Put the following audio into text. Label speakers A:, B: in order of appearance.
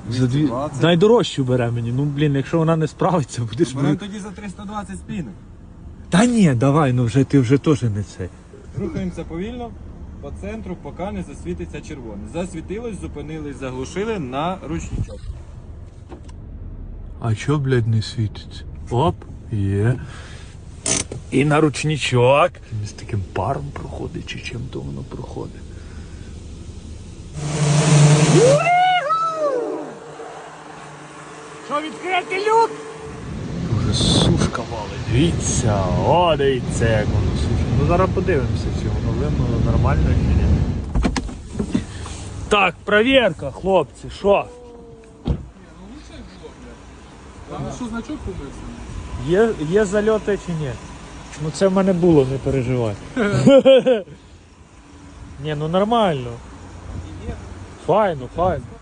A: 220.
B: Найдорожчу бере мені. Ну, блін, якщо вона не справиться, будеш...
A: Беремо тоді за 320 спінок.
B: Та ні, давай, ну вже ти вже теж не цей.
A: Рухаємося повільно по центру, поки не засвітиться червоне. Засвітилось, зупинились, заглушили на ручничок.
B: А чо, блядь, не світиться? Оп, є. І на ручничок. З таким паром проходить, чи чим то воно проходить. Що, відкрити люк? Уже сушка валить. Дивіться, о, дивіться, як воно сушка. Ну зараз подивимося, чи воно вимило нормально чи ні. Так, перевірка, хлопці, що?
C: Там що значок побився?
B: Є зальоти чи ні? Ну це в мене було, не переживай. Ні, ну нормально. Файно, файно.